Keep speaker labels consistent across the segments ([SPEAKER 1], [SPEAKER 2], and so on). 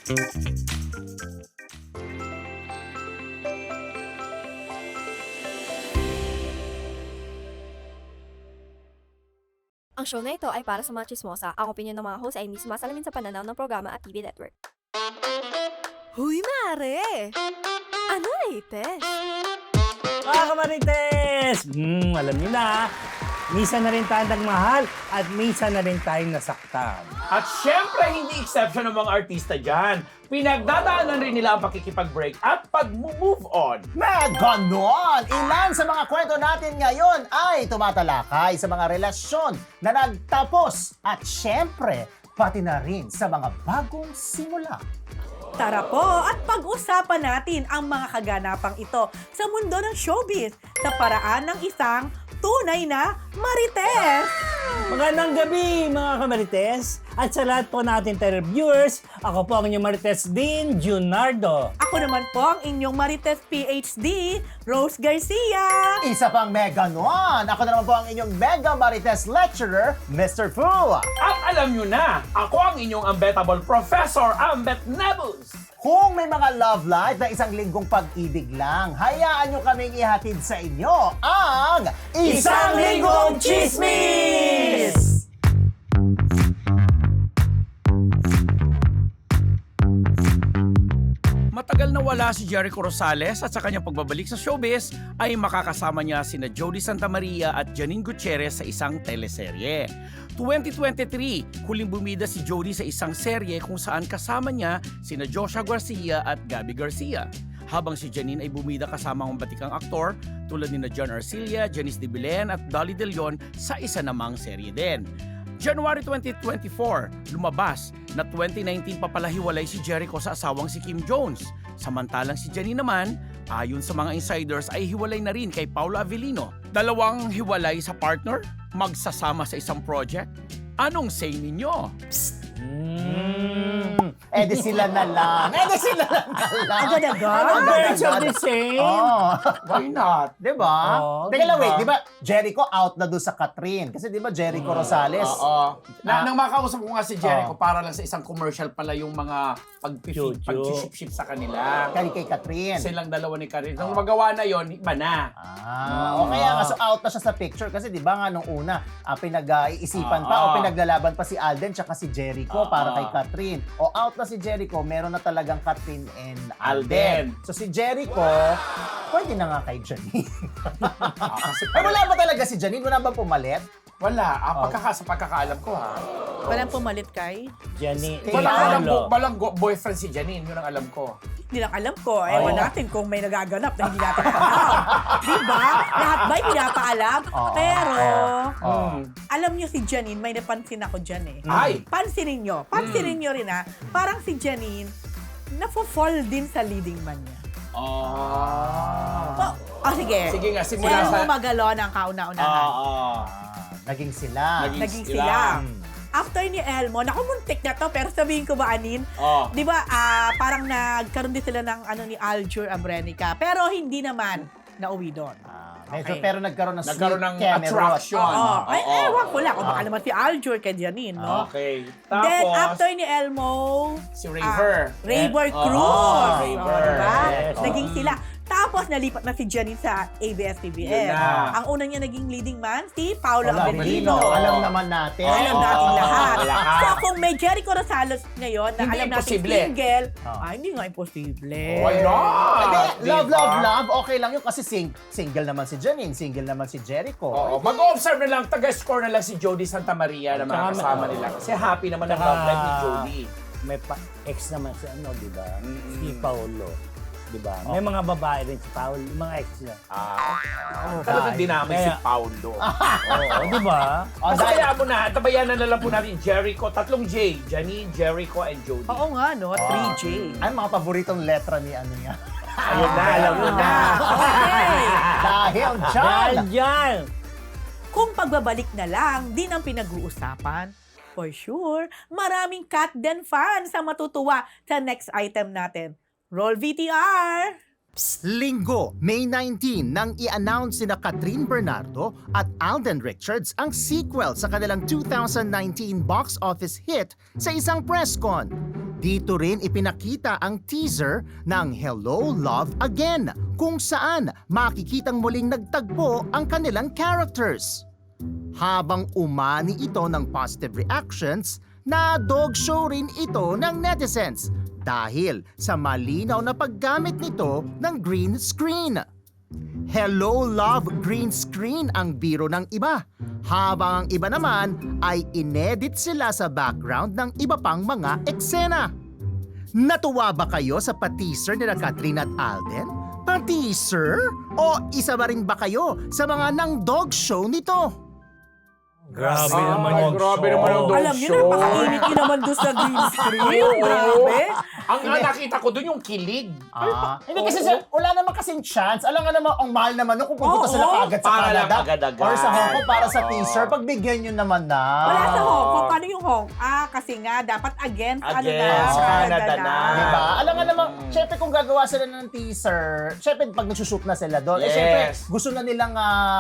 [SPEAKER 1] Ang show na ito ay para sa mga chismosa. Ang opinion ng mga host ay hindi sumasalamin sa pananaw ng programa at TV network. Huy, mare! Ano latest?
[SPEAKER 2] Mga kamarites! Alam niyo na, minsan na rin tayong nagmahal at minsan na rin tayong nasaktan.
[SPEAKER 3] At syempre, hindi exception ng mga artista dyan. Pinagdadaanan rin nila ang pakikipag-break at pag-move on.
[SPEAKER 4] Na ganon! Ilan sa mga kwento natin ngayon ay tumatalakay sa mga relasyon na nagtapos at syempre, pati na rin sa mga bagong simula.
[SPEAKER 5] Tara po at pag-usapan natin ang mga kaganapang ito sa mundo ng showbiz sa paraan ng isang tunay na marites.
[SPEAKER 2] Magandang gabi mga kamarites! At sa lahat po natin televiewers, ako po ang inyong marites din, Junardo.
[SPEAKER 5] Ako naman po ang inyong marites PhD, Rose Garcia.
[SPEAKER 4] Isa pang mega nun! Ako na naman po ang inyong mega marites lecturer, Mr. Fu!
[SPEAKER 3] At alam nyo na, ako ang inyong unbettable Professor Ambet Nebus.
[SPEAKER 4] Kung may mga love life na isang linggong pag-ibig lang, hayaan nyo kaming ihatid sa inyo ang
[SPEAKER 2] Isang Linggong Chismis!
[SPEAKER 3] Matagal na wala si Jericho Rosales at sa kanyang pagbabalik sa showbiz ay makakasama niya sina Jody Santa Maria at Janine Gutierrez sa isang teleserye. 2023, huling bumida si Jody sa isang serye kung saan kasama niya sina Joshua Garcia at Gabby Garcia. Habang si Janine ay bumida kasama ang batikang aktor tulad ni John Arcilla, Janice de Belen at Dolly De Leon sa isa namang serye din. January 2024, lumabas na 2019 papalahiwalay si Jericho sa asawang si Kim Jones. Samantalang si Janine naman, ayon sa mga insiders ay hiwalay na rin kay Paula Avellino. Dalawang hiwalay sa partner, magsasama sa isang project. Anong say ninyo?
[SPEAKER 4] Di sila na lang. Sila na lang.
[SPEAKER 5] Agad-agad.
[SPEAKER 2] Birds of the same?
[SPEAKER 4] Oh.
[SPEAKER 3] Why not?
[SPEAKER 4] Diba?
[SPEAKER 2] Oo,
[SPEAKER 4] Teka lang,
[SPEAKER 3] diba?
[SPEAKER 4] wait. Diba Jericho out na doon sa Catherine? Kasi diba Jericho Rosales?
[SPEAKER 3] Oo. Nang makausap ko nga si Jericho,
[SPEAKER 4] Oo.
[SPEAKER 3] para lang sa isang commercial pala yung mga
[SPEAKER 2] Chuchu.
[SPEAKER 3] pag-ship sa kanila.
[SPEAKER 4] Kay Catherine.
[SPEAKER 3] Silang dalawa ni Karin. Nung magawa na yon, iba na.
[SPEAKER 4] O kaya nga, so out na siya sa picture. Kasi di ba nga nung una, pinag-iisipan pa o pinaglalaban pa si Alden tsaka si Jericho para kay Catherine. O out na si Jericho, meron na talagang Catherine and Alden. So si Jericho, pwede na nga kay Janine.
[SPEAKER 3] Kasi
[SPEAKER 4] Ay, wala ba talaga si Janine? Wala ba pumalit?
[SPEAKER 3] Wala. Sa pagkakaalam ko ha.
[SPEAKER 5] Walang pumalit kay?
[SPEAKER 2] Janine.
[SPEAKER 3] Walang boyfriend si Janine. Yun ang alam ko.
[SPEAKER 5] Hindi lang alam ko. Ewan natin kung may nagaganap na hindi natin alam. Diba? Lahat ba'y pinapaalam? Pero, alam niyo si Janine, may napansin ako dyan eh.
[SPEAKER 3] Ay!
[SPEAKER 5] Pansinin nyo rin parang si Janine, nafo-fall din sa leading man niya. Sige.
[SPEAKER 3] Sige nga, simula
[SPEAKER 5] Pero
[SPEAKER 3] sa...
[SPEAKER 5] magalo ng kauna-unahan.
[SPEAKER 4] Naging sila.
[SPEAKER 5] Naging sila. After ni Elmo, naku, muntik na to, pero sabihin ko ba, Anin? Di ba, parang nagkaroon din sila ng ni Aljur Abrenica, pero hindi naman nauwi doon.
[SPEAKER 4] Medyo, pero nagkaroon ng
[SPEAKER 3] attraction.
[SPEAKER 5] Ewan ko lang, kung baka naman si Aljur kay Janine, no?
[SPEAKER 3] Okay.
[SPEAKER 5] Then,
[SPEAKER 3] Tapos,
[SPEAKER 5] after ni Elmo,
[SPEAKER 3] si Raver.
[SPEAKER 5] Raver Cruz.
[SPEAKER 3] Raver.
[SPEAKER 5] Diba?
[SPEAKER 2] Yes.
[SPEAKER 5] Naging sila. Tapos, nalipat na si Janine sa ABS-CBN.
[SPEAKER 3] Yun na.
[SPEAKER 5] Ang una niya naging leading man, si Paolo
[SPEAKER 4] Paula
[SPEAKER 5] Avellino.
[SPEAKER 4] Avellino. Alam naman natin.
[SPEAKER 5] Alam natin lahat.
[SPEAKER 3] lahat.
[SPEAKER 5] So, kung may Jericho Rosales ngayon na
[SPEAKER 3] Hindi
[SPEAKER 5] alam natin
[SPEAKER 3] imposible.
[SPEAKER 5] single, hindi nga imposible.
[SPEAKER 3] Why not?
[SPEAKER 4] Hindi, love. Okay lang yun kasi single naman si Janine, single naman si Jericho.
[SPEAKER 3] Oo. Mag-observe na lang, taga-score na lang si Jody Santa Maria na mga kasama nila. Kasi happy naman ang love life ni Jody.
[SPEAKER 2] May ex naman si di ba? Si Paolo. Di ba? May mga babae rin si Paolo, mga ex niya.
[SPEAKER 3] Talagang dinamay si Paulo.
[SPEAKER 2] Oo, di ba?
[SPEAKER 3] Kaya mo na, tabayanan na lang po natin Jericho. Tatlong J. Janine, Jericho, and Jody.
[SPEAKER 5] Oo nga, no? 3J.
[SPEAKER 4] Ano mga paboritong letra ni ano niya?
[SPEAKER 3] Ayun na, alam mo na.
[SPEAKER 5] Okay.
[SPEAKER 4] Dahil dyan!
[SPEAKER 2] Diyan!
[SPEAKER 5] Kung pagbabalik na lang, din ang pinag-uusapan, for sure, maraming Kat Den fans ang matutuwa sa next item natin. Roll VTR!
[SPEAKER 4] Linggo, May 19, nang i-announce sina Catherine Bernardo at Alden Richards ang sequel sa kanilang 2019 box office hit sa isang press con. Dito rin ipinakita ang teaser ng Hello, Love Again, kung saan makikitang muling nagtagpo ang kanilang characters. Habang umani ito ng positive reactions, na dog show rin ito ng netizens dahil sa malinaw na paggamit nito ng green screen. Hello, Love green screen ang biro ng iba, habang ang iba naman ay inedit sila sa background ng iba pang mga eksena. Natuwa ba kayo sa pa-teaser nila Catherine at Alden? Pa-teaser? O isa ba rin ba kayo sa mga nang dog show nito?
[SPEAKER 2] Grabe naman yung
[SPEAKER 3] grabe
[SPEAKER 2] show.
[SPEAKER 3] naman yung dog
[SPEAKER 5] Alam niyo,
[SPEAKER 3] show.
[SPEAKER 5] napakainit niyo naman doon sa green screen.
[SPEAKER 3] Oo.
[SPEAKER 5] Grabe.
[SPEAKER 3] Ang nakita ko doon yung kilig.
[SPEAKER 4] Hindi kasi wala naman kasing chance. Alam nga naman, ang mahal naman no, kung pupunta
[SPEAKER 5] Oo.
[SPEAKER 4] sila kaagad sa
[SPEAKER 3] Para lang
[SPEAKER 4] Canada
[SPEAKER 3] agad-agad.
[SPEAKER 4] or sa Hong Kong para sa
[SPEAKER 3] Oo.
[SPEAKER 4] teaser. Pagbigyan nyo naman na.
[SPEAKER 5] Wala sa Hong Kong. Paano yung Hong? Kasi nga, dapat against,
[SPEAKER 3] Against Canada na.
[SPEAKER 4] Diba? Alam nga naman, syempre kung gagawa sila ng teaser, syempre pag nagsushoot na sila doon,
[SPEAKER 3] Yes.
[SPEAKER 4] syempre gusto na nilang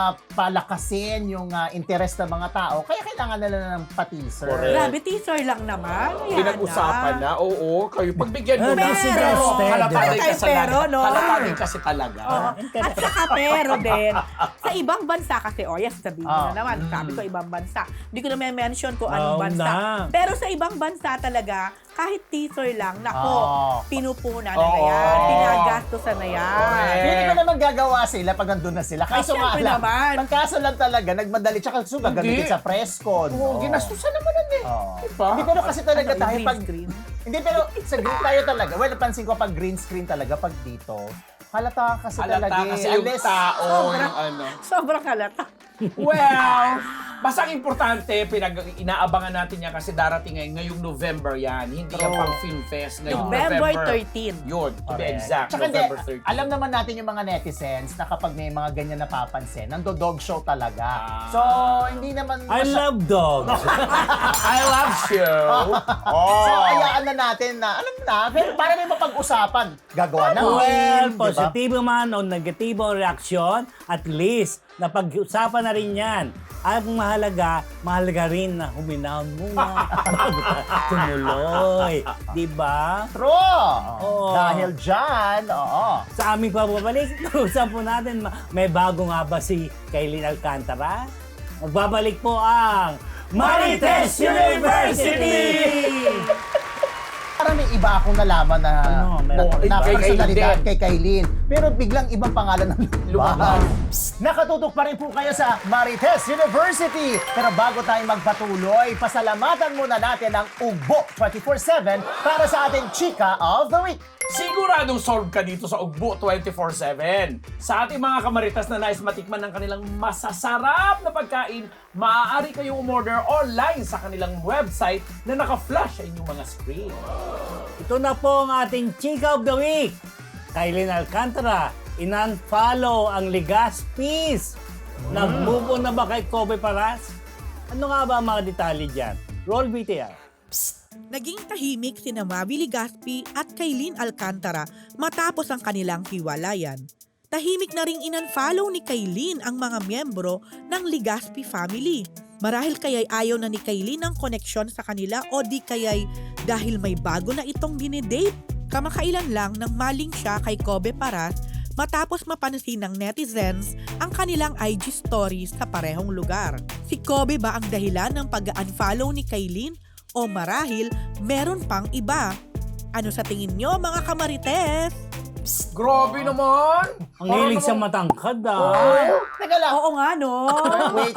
[SPEAKER 4] palakasin yung interest ng mga tao. Kaya kailangan nila ng pa-teaser.
[SPEAKER 3] Correct.
[SPEAKER 5] Grabe, teaser lang naman. Ayan
[SPEAKER 3] Pinag-usapan na. Oo, kayo pagbigyan mo na.
[SPEAKER 2] Pero,
[SPEAKER 3] Kalapagay
[SPEAKER 5] Pero,
[SPEAKER 3] kasi
[SPEAKER 5] pero, no?
[SPEAKER 3] Kalapagay kasi talaga.
[SPEAKER 5] Oo. At saka pero din, sa ibang bansa kasi, yes, sabihin ko na naman, sabi ko ibang bansa. Hindi ko na may mention kung anong
[SPEAKER 2] Oo
[SPEAKER 5] bansa.
[SPEAKER 2] na.
[SPEAKER 5] Pero sa ibang bansa talaga, kahit teaser lang, nako, pinupunan na
[SPEAKER 3] Oo.
[SPEAKER 5] yan, pinagastosan na yan.
[SPEAKER 3] Correct.
[SPEAKER 4] Hindi ko naman gagawa sila pag nandun na sila. Kaso nga
[SPEAKER 5] syempre
[SPEAKER 4] lang,
[SPEAKER 5] naman.
[SPEAKER 4] ang kaso lang talaga, nagmadali. Tsaka gusto gagamitin
[SPEAKER 3] Hindi.
[SPEAKER 4] sa press con.
[SPEAKER 3] Oo, ginastusan naman nun eh.
[SPEAKER 4] Oo.
[SPEAKER 3] Diba?
[SPEAKER 4] Hindi, pero kasi talaga
[SPEAKER 5] Ano,
[SPEAKER 4] tayo
[SPEAKER 5] green
[SPEAKER 4] pag...
[SPEAKER 5] screen?
[SPEAKER 4] Hindi, pero sa green tayo talaga. Well, napansin ko pag green screen talaga, pag dito, halata kasi talaga.
[SPEAKER 3] Halata kasi yung
[SPEAKER 4] Unless-
[SPEAKER 3] tao,
[SPEAKER 5] Sobra.
[SPEAKER 3] yung ano.
[SPEAKER 5] Sobrang halata.
[SPEAKER 3] Well, basta ang importante, inaabangan natin yan kasi darating ngayong November yan. Hindi yan
[SPEAKER 4] True.
[SPEAKER 3] pang Film Fest. Ngayong
[SPEAKER 5] November
[SPEAKER 3] November
[SPEAKER 5] 13.
[SPEAKER 3] Yun, to be
[SPEAKER 4] Correct.
[SPEAKER 3] exact,
[SPEAKER 4] Tsaka hindi,
[SPEAKER 3] November 13.
[SPEAKER 4] alam naman natin yung mga netizens na kapag may mga ganyan napapansin, nando-dog show talaga. So, hindi naman...
[SPEAKER 2] I love dogs.
[SPEAKER 3] I love show.
[SPEAKER 4] So, ayaan na natin na, alam na, pero para may mapag-usapan, gagawa ng
[SPEAKER 2] Well,
[SPEAKER 4] meme, di ba?
[SPEAKER 2] positibo man o negatibo reaksyon, at least, napag-usapan na rin yan. At mahalaga rin na huminahon muna bago tumuloy. Diba?
[SPEAKER 4] True!
[SPEAKER 2] Oo.
[SPEAKER 4] Dahil dyan, oo.
[SPEAKER 2] Sa aming pababalik, usap po natin, may bago nga ba si Kailin Alcantara? Magbabalik po ang Marites University!
[SPEAKER 4] Parang may iba akong nalaman na,
[SPEAKER 2] Ano, meron
[SPEAKER 4] na
[SPEAKER 3] kay
[SPEAKER 4] personalidad
[SPEAKER 3] Kailin.
[SPEAKER 4] kay Kailin. Pero biglang ibang pangalan ng
[SPEAKER 3] Lumabas.
[SPEAKER 4] Nakatutok pa rin po kayo sa Marites University. Pero bago tayo magpatuloy, pasalamatan muna natin ang Ugbo 24/7 para sa ating Chika of the Week.
[SPEAKER 3] Siguradong solve ka dito sa Ugbo 24/7. Sa ating mga kamaritas na nais matikman ng kanilang masasarap na pagkain, maaari kayong umorder online sa kanilang website na naka-flash sa inyong mga screen.
[SPEAKER 2] Ito na po ang ating Chika of the Week. Kailin Alcantara, in-unfollow ang Legazpi's. Nag-move on na ba kay Kobe Paras? Ano nga ba ang mga detalye dyan? Roll VTR.
[SPEAKER 5] Naging tahimik sina Mavi Legazpi at Kailin Alcantara matapos ang kanilang hiwalayan. Tahimik na ring in-unfollow ni Kailin ang mga miyembro ng Legazpi family. Marahil kaya'y ayaw na ni Kailin ng koneksyon sa kanila o di kaya'y dahil may bago na itong dinidate. Kamakailan lang nang maling siya kay Kobe Paras matapos mapansin ng netizens ang kanilang IG stories sa parehong lugar. Si Kobe ba ang dahilan ng pag-unfollow ni Kailin? O marahil, meron pang iba. Ano sa tingin nyo, mga kamarites?
[SPEAKER 3] Grabe naman!
[SPEAKER 2] Ang hilig sa matangkad
[SPEAKER 4] Teka lang.
[SPEAKER 5] Oo nga, no?
[SPEAKER 4] Wait.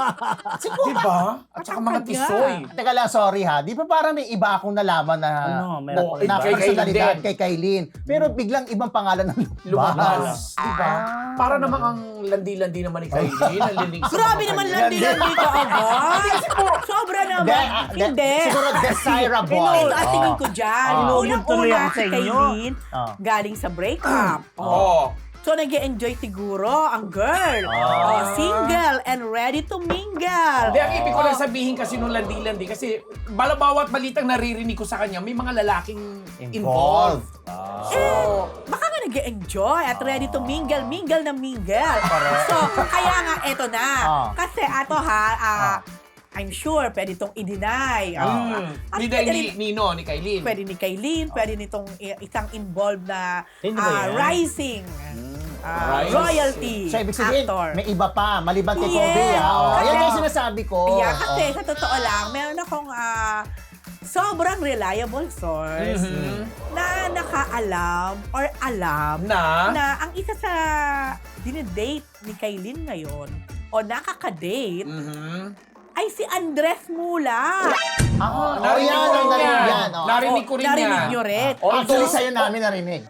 [SPEAKER 3] Diba? At saka mga
[SPEAKER 5] Matangkad nga.
[SPEAKER 3] tisoy.
[SPEAKER 4] Teka lang, sorry ha. Di ba parang may iba akong nalaman na,
[SPEAKER 2] Ano, meron
[SPEAKER 4] na
[SPEAKER 3] kay
[SPEAKER 4] personalidad
[SPEAKER 3] Kailin.
[SPEAKER 4] kay Kailin. Pero biglang ibang pangalan ng
[SPEAKER 3] Lumabas. Diba? Para namang ang landi-landi naman ni Kailin. Ang lilig sa
[SPEAKER 5] Grabe
[SPEAKER 3] mga
[SPEAKER 5] naman
[SPEAKER 3] kanya.
[SPEAKER 5] landi-landi ka agad. Sobra naman. Hindi.
[SPEAKER 4] Siguro desirable.
[SPEAKER 5] Ito ang tingin ko dyan.
[SPEAKER 2] Inuubod tuloy
[SPEAKER 5] Unang-una
[SPEAKER 2] ako sa
[SPEAKER 5] si
[SPEAKER 2] inyo.
[SPEAKER 5] Kailin,
[SPEAKER 4] Ah.
[SPEAKER 5] galing sa breakup.
[SPEAKER 3] Oo.
[SPEAKER 5] So, nag-enjoy siguro ang girl. Single and ready to mingle.
[SPEAKER 3] Hindi, ang ibig ko lang sabihin kasi nung landi-landi kasi bawat balitang naririnig ko sa kanya, may mga lalaking involved.
[SPEAKER 5] Baka nga nag-enjoy at ready to mingle na mingle. So, kaya nga, eto na. Kasi ato I'm sure pwede itong i-deny. At
[SPEAKER 3] Ni
[SPEAKER 5] pwede rin-
[SPEAKER 3] Nino, ni Kailin.
[SPEAKER 5] Pwede ni Kailin, pwede nitong isang involved na
[SPEAKER 2] Sino ba yan?
[SPEAKER 5] rising
[SPEAKER 3] Rising.
[SPEAKER 5] royalty
[SPEAKER 4] So, ibig sabihin,
[SPEAKER 5] actor.
[SPEAKER 4] may iba pa, maliban kay
[SPEAKER 5] Yes.
[SPEAKER 4] Kobe.
[SPEAKER 5] Kasi-
[SPEAKER 4] Yan yung sinasabi ko.
[SPEAKER 5] Yeah, kasi sa totoo lang, meron akong sobrang reliable source na nakaalam or alam na ang isa sa dinedate ni Kailin ngayon o nakaka-date ay si Andres Mula.
[SPEAKER 3] Narinig ko rin yan.
[SPEAKER 4] yan.
[SPEAKER 3] Narinig ko rin yan.
[SPEAKER 5] Narinig nyo rin.
[SPEAKER 4] Actually, sa'yo namin narinig.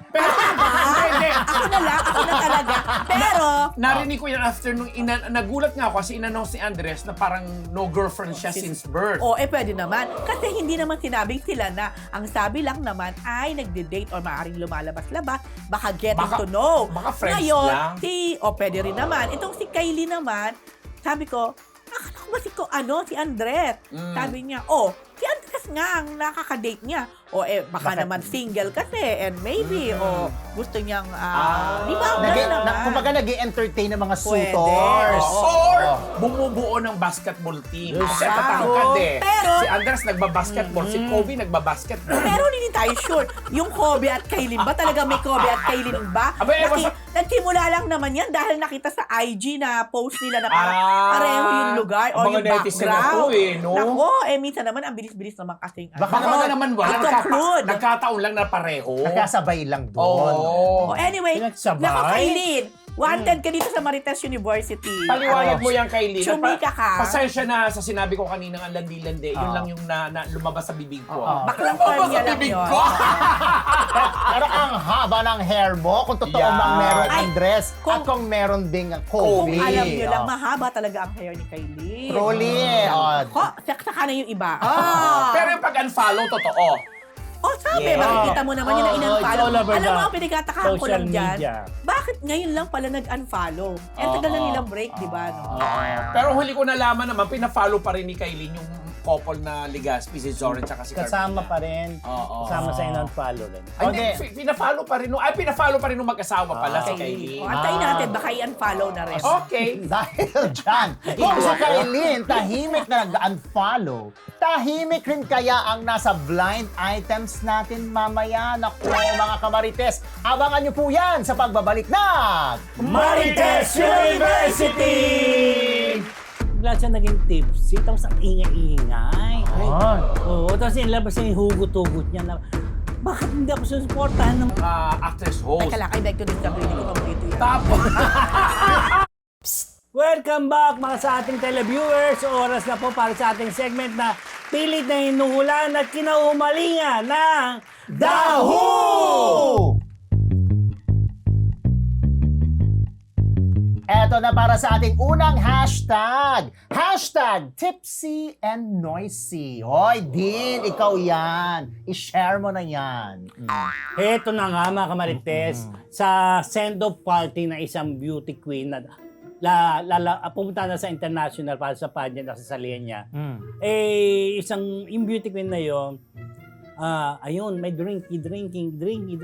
[SPEAKER 5] Ako na talaga. Pero,
[SPEAKER 3] Narinig ko yan after nung nagulat nga ako kasi in-announce ni Andres na parang no girlfriend siya since birth.
[SPEAKER 5] pwede naman. Kasi hindi naman sinabing sila na. Ang sabi lang naman ay nagde-date or maaaring lumalabas-labas. Baka getting to know.
[SPEAKER 3] Baka friends
[SPEAKER 5] Ngayon,
[SPEAKER 3] lang.
[SPEAKER 5] pwede rin naman. Itong si Kylie naman, sabi ko, akala ko ba si Andres? Sabi niya, si Andres nga ang nakaka-date niya. Baka naman single kasi and maybe, gusto niyang, di ba?
[SPEAKER 4] Kumbaga nag-entertain ng mga
[SPEAKER 5] Pwede.
[SPEAKER 4] suitors.
[SPEAKER 3] Or bumubuo ng basketball team. Kasi
[SPEAKER 5] Wow.
[SPEAKER 3] tatangkad
[SPEAKER 5] Pero-
[SPEAKER 3] si Andres nagbabasketball, si Kobe nagbabasketball.
[SPEAKER 5] Pero hindi tayo sure. Yung Kobe at Kailin ba? Talaga may Kobe at Kailin ba?
[SPEAKER 3] Aba, ewan sa-
[SPEAKER 5] Nagsimula lang naman yan dahil nakita sa IG na post nila na
[SPEAKER 3] Ah,
[SPEAKER 5] pareho yung lugar o
[SPEAKER 3] mga
[SPEAKER 5] yung
[SPEAKER 3] netizen na
[SPEAKER 5] background.
[SPEAKER 3] to no?
[SPEAKER 5] Nako, minsan naman ang bilis-bilis naman kasing.
[SPEAKER 3] Baka naman wala.
[SPEAKER 5] conclude.
[SPEAKER 3] Nagkataon lang na pareho.
[SPEAKER 4] Nagkasabay lang doon.
[SPEAKER 5] Anyway,
[SPEAKER 2] Pinagsabay?
[SPEAKER 5] nako Kailin, wanted ka dito sa Marites University.
[SPEAKER 3] Paliwanag mo yan kay Lynn.
[SPEAKER 5] Chumika ka.
[SPEAKER 3] Pasensya na sa sinabi ko kanina ang landi-landi. Yun lang yung na lumabas sa bibig ko.
[SPEAKER 5] Baklang form niya lang
[SPEAKER 3] bibig
[SPEAKER 5] yun.
[SPEAKER 3] ko.
[SPEAKER 4] Pero ang haba ng hair mo, kung totoo
[SPEAKER 3] Yeah.
[SPEAKER 4] bang meron
[SPEAKER 5] Ay,
[SPEAKER 4] Andres
[SPEAKER 5] kung-
[SPEAKER 4] at kung meron ding
[SPEAKER 5] Kung
[SPEAKER 4] Kobe.
[SPEAKER 5] alam nyo lang, mahaba talaga ang hair ni Kailin.
[SPEAKER 4] Truly.
[SPEAKER 5] Saka na yung iba.
[SPEAKER 3] Pero yung pag-unfollow, totoo.
[SPEAKER 5] Sabi, makikita mo naman yun na
[SPEAKER 2] It's
[SPEAKER 5] in-unfollow.
[SPEAKER 2] all over
[SPEAKER 5] Alam mo,
[SPEAKER 2] the
[SPEAKER 5] ang pinagkatakaan ko
[SPEAKER 2] social
[SPEAKER 5] lang dyan,
[SPEAKER 2] media.
[SPEAKER 5] bakit ngayon lang pala nag-unfollow? Tagal na nilang break, di ba? No?
[SPEAKER 3] Pero huli ko nalaman naman, pina-follow pa rin ni Kailin yung couple na Legaspi, si Zoren tsaka si Carmela.
[SPEAKER 2] Kasama pa rin.
[SPEAKER 3] Oo.
[SPEAKER 2] Kasama sa in-unfollow rin.
[SPEAKER 3] Ay, hindi, pina-follow pa rin. Pina-follow pa rin nung mag-asawa pala si Kailin.
[SPEAKER 5] Antayin natin, baka i-unfollow na rin.
[SPEAKER 3] Okay.
[SPEAKER 4] Dahil dyan, kung si Kailin tahimik na nag-unfollow, tahimik rin kaya ang nasa blind items natin mamaya. Naku, mga kamarites, abangan nyo po yan sa pagbabalik ng
[SPEAKER 2] Marites University! Bigla siya naging tipsy, tapos ang ingay-ingay. Oo, tapos inilabas niya yung hugot-hugot niya na, bakit hindi ako susuportahan ng...
[SPEAKER 3] Actress host.
[SPEAKER 5] Teka lang, I beg to disagree. Hindi ko paborito yan.
[SPEAKER 3] Tapos,
[SPEAKER 2] Welcome back mga sa ating televiewers. Oras na po para sa ating segment na pilit na hinuhulan at kinauhumalingan ng
[SPEAKER 4] Dahu! Eto na para sa ating unang hashtag. Hashtag Tipsy and Noisy. Hoy, Dean, ikaw yan. I-share mo na yan.
[SPEAKER 2] Heto na nga mga kamarites, sa send-off party na isang beauty queen na pumunta na sa international para sa pageant na sasalihan niya. Isang yung beauty queen na yun, ayun, may drinky.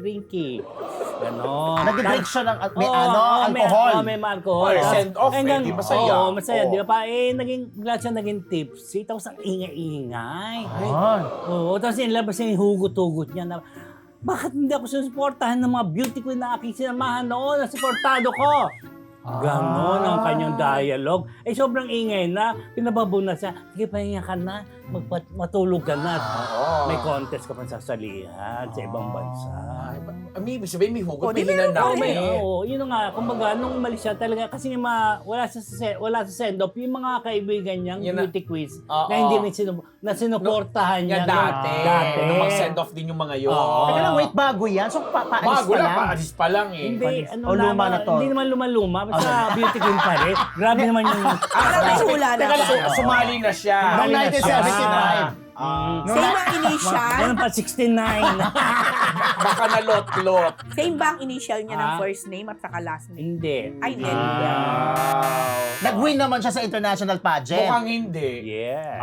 [SPEAKER 2] Ganon.
[SPEAKER 4] Nag-drink siya ng may
[SPEAKER 2] May
[SPEAKER 4] alcohol.
[SPEAKER 2] alcohol.
[SPEAKER 3] Or send-off,
[SPEAKER 2] Hanggang-
[SPEAKER 3] di masaya.
[SPEAKER 2] Oo, masaya,
[SPEAKER 3] Oo.
[SPEAKER 2] di ba pa? Bigla siya naging tipsy, tapos ang ingay-ingay. Oo, tapos inilabas niya yung hugot-hugot niya na, bakit hindi ako susuportahan ng mga beauty queen na aking sinamahan noon na suportado ko? Ganon ang kanyang dialogue. Sobrang ingay na. Pinababo na siya. Sige, pahinga ka na. Matulog ka na. May contest ka pa sasalihan sa ibang bansa.
[SPEAKER 3] Ibig sabihin, may hugot,
[SPEAKER 5] Di
[SPEAKER 3] may
[SPEAKER 5] meron pa
[SPEAKER 3] hinanap
[SPEAKER 5] rin.
[SPEAKER 3] eh.
[SPEAKER 2] Oo, yun nga. Kumbaga, nung umalis siya talaga, kasi wala sa send-off, yung mga kaibigan niyang
[SPEAKER 3] Yun na.
[SPEAKER 2] beauty quiz
[SPEAKER 3] Oo.
[SPEAKER 2] na hindi rin sinuportahan niya.
[SPEAKER 3] Yan dati.
[SPEAKER 2] Dati.
[SPEAKER 3] Nung mag-send off din yung mga yun.
[SPEAKER 2] Oo.
[SPEAKER 4] Teka lang, wait, bago yan? So, paalis
[SPEAKER 3] Bago
[SPEAKER 4] pa
[SPEAKER 3] lang,
[SPEAKER 4] lang?
[SPEAKER 3] paalis pa lang eh.
[SPEAKER 2] Hindi,
[SPEAKER 4] O, luma na to?
[SPEAKER 2] Hindi naman luma-luma. Basta beauty queen pa rin. Grabe naman yung...
[SPEAKER 5] Parang may hula na.
[SPEAKER 3] Teka lang, sumali na siya.
[SPEAKER 4] Noong 1975.
[SPEAKER 5] Same ang initial?
[SPEAKER 2] Ganun pa, 69.
[SPEAKER 3] Baka nalot-lot.
[SPEAKER 5] Same ba ang initial niya ng
[SPEAKER 2] Ah.
[SPEAKER 5] first name at saka last name?
[SPEAKER 2] Hindi.
[SPEAKER 5] Ay, hindi.
[SPEAKER 3] Wow.
[SPEAKER 4] Nag-win naman siya sa international pageant.
[SPEAKER 3] Mukhang hindi.
[SPEAKER 2] Yeah.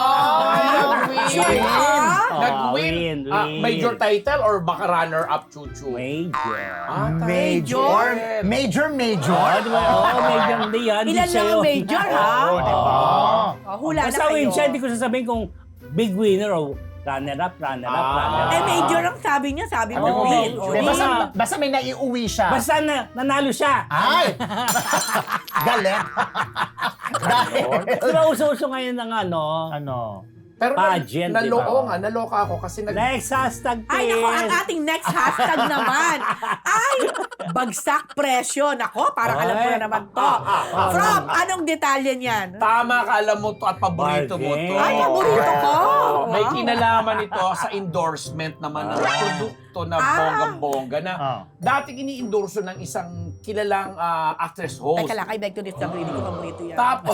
[SPEAKER 3] Nag-win. Nag-win.
[SPEAKER 2] Win.
[SPEAKER 3] Major title or baka runner-up chuchu?
[SPEAKER 2] Major.
[SPEAKER 4] Major? Major?
[SPEAKER 2] Di ba? Major hindi yan.
[SPEAKER 6] Ilan lang ang major, ha?
[SPEAKER 4] Oo, diba?
[SPEAKER 6] Hula na
[SPEAKER 2] Basta
[SPEAKER 6] kayo.
[SPEAKER 2] win siya, hindi ko sasabihin kung big winner o runner-up.
[SPEAKER 6] Eh, major ang sabi niya. Sabi mo,
[SPEAKER 2] Oo,
[SPEAKER 6] win.
[SPEAKER 2] major.
[SPEAKER 4] Hindi, basta may naiuwi siya.
[SPEAKER 2] Basta nanalo siya.
[SPEAKER 4] Ay! Galing. Dahil...
[SPEAKER 2] Pero uso-uso ngayon ng
[SPEAKER 4] Ano?
[SPEAKER 3] Pero
[SPEAKER 2] Pageant,
[SPEAKER 3] naloko
[SPEAKER 2] di ba?
[SPEAKER 3] nga, naloka ako kasi
[SPEAKER 2] next hashtag,
[SPEAKER 6] Ay, nako, ang
[SPEAKER 2] please.
[SPEAKER 6] ating next hashtag naman ay bagsak presyo. Nako, parang alam ko na naman to. From, anong detalye niyan?
[SPEAKER 3] Tama ka, alam mo to at paborito mo to.
[SPEAKER 2] Bargain.
[SPEAKER 6] Ay, paborito ko.
[SPEAKER 3] May
[SPEAKER 6] Wow.
[SPEAKER 3] kinalaman ito sa endorsement naman ng produkto na bonggang-bongga na dating ini-endorso ng isang kilalang actress host.
[SPEAKER 6] Teka lang, I beg to disagree. Hindi ko paborito yan.
[SPEAKER 3] Tapos,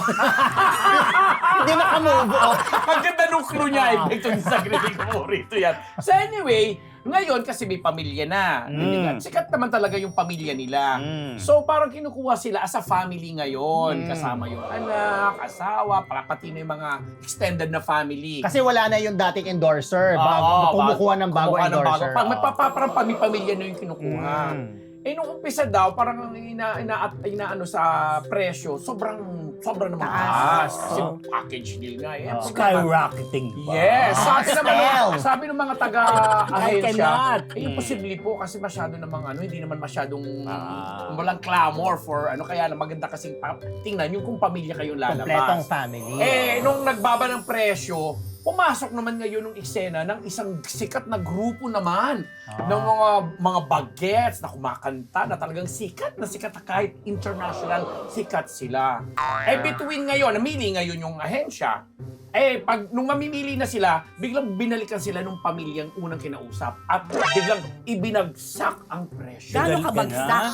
[SPEAKER 4] Hindi makamove on.
[SPEAKER 3] ang ganda nung clue niya, I beg to disagree, hindi ko paborito yan. So anyway, ngayon kasi may pamilya na. Sikat naman talaga yung pamilya nila. So parang kinukuha sila as a family ngayon. Kasama yung anak, asawa, pati na yung mga extended na family.
[SPEAKER 4] Kasi wala na yung dating endorser. Kumukuha ng bago endorser.
[SPEAKER 3] Parang pamilya na yung kinukuha. Eh, nung umpisa daw, parang inaano sa presyo, sobrang na mataas. Kasi package deal nga. Eh.
[SPEAKER 2] Skyrocketing ba?
[SPEAKER 3] Yes!
[SPEAKER 4] Pastel.
[SPEAKER 3] Sabi ng mga
[SPEAKER 2] I
[SPEAKER 3] taga-ahensya,
[SPEAKER 2] cannot.
[SPEAKER 3] imposible po kasi masyado namang hindi naman masyadong walang clamor for kaya na maganda kasing tingnan yung kung pamilya kayong lalabas.
[SPEAKER 4] Kompletong family.
[SPEAKER 3] Eh, nung nagbaba ng presyo, pumasok naman ngayon ng eksena ng isang sikat na grupo naman ng mga bagets na kumakanta na talagang sikat na kahit international sikat sila. Eh, between ngayon, namili ngayon yung ahensya. Eh, nung mamimili na sila, biglang binalikan sila nung pamilyang unang kinausap at biglang ibinagsak ang presyo.
[SPEAKER 6] Gano'n ka bagsak?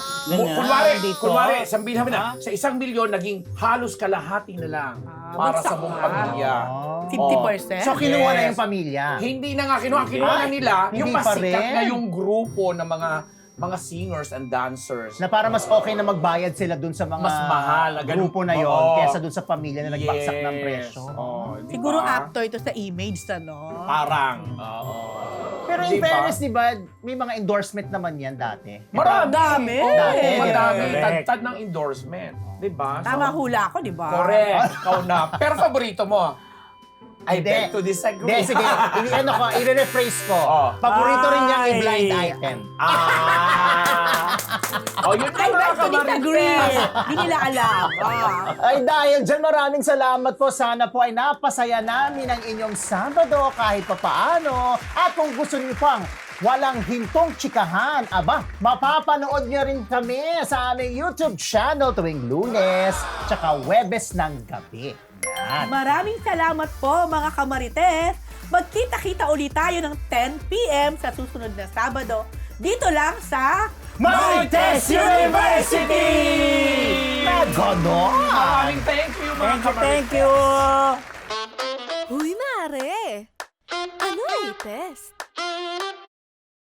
[SPEAKER 3] Kunwari, sabihin namin na, sa 1 milyon, naging halos kalahati na lang para sa buong pamilya.
[SPEAKER 6] 50%?
[SPEAKER 4] So, kinuha na
[SPEAKER 3] Yes.
[SPEAKER 4] yung pamilya.
[SPEAKER 3] Hindi na nga kinuha na nila
[SPEAKER 4] Hindi
[SPEAKER 3] yung
[SPEAKER 4] pa
[SPEAKER 3] pasikat
[SPEAKER 4] rin.
[SPEAKER 3] na yung grupo ng mga singers and dancers.
[SPEAKER 4] Na para mas okay na magbayad sila dun sa mga
[SPEAKER 3] Mas mahal na ganun.
[SPEAKER 4] grupo na yon
[SPEAKER 3] Oo.
[SPEAKER 4] kesa dun sa pamilya na nagbagsak ng presyo.
[SPEAKER 3] Di
[SPEAKER 6] Siguro
[SPEAKER 3] ba?
[SPEAKER 6] actor ito sa image, ano?
[SPEAKER 3] Parang. Oo.
[SPEAKER 4] Pero in
[SPEAKER 3] Di ba?
[SPEAKER 4] fairness, di ba, may mga endorsement naman yan dati.
[SPEAKER 3] Marami.
[SPEAKER 6] Dami.
[SPEAKER 3] Oo, madami.
[SPEAKER 2] Correct.
[SPEAKER 3] Tagtad ng endorsement. Di ba?
[SPEAKER 6] Tama hula ako, di ba?
[SPEAKER 3] Correct. Ikaw na. Pero paborito mo? I
[SPEAKER 4] Hindi.
[SPEAKER 3] beg to disagree.
[SPEAKER 4] Hindi, sige. I-rephrase ko. Paborito rin niyang i-blind item.
[SPEAKER 3] Oh, yun
[SPEAKER 6] I beg to disagree.
[SPEAKER 3] Marites.
[SPEAKER 6] Hindi nila alam.
[SPEAKER 4] Ay dahil dyan, maraming salamat po. Sana po ay napasaya namin ang inyong Sabado kahit papaano. At kung gusto niyo pang walang hintong tsikahan, mapapanood niyo rin kami sa aming YouTube channel tuwing Lunes tsaka Webes ng gabi. Yan.
[SPEAKER 6] Maraming salamat po, mga kamarites. Magkita-kita ulit tayo ng 10 p.m. sa susunod na Sabado. Dito lang sa
[SPEAKER 4] Marites University! Na ganon!
[SPEAKER 3] Maraming thank you, mga
[SPEAKER 2] Thank you.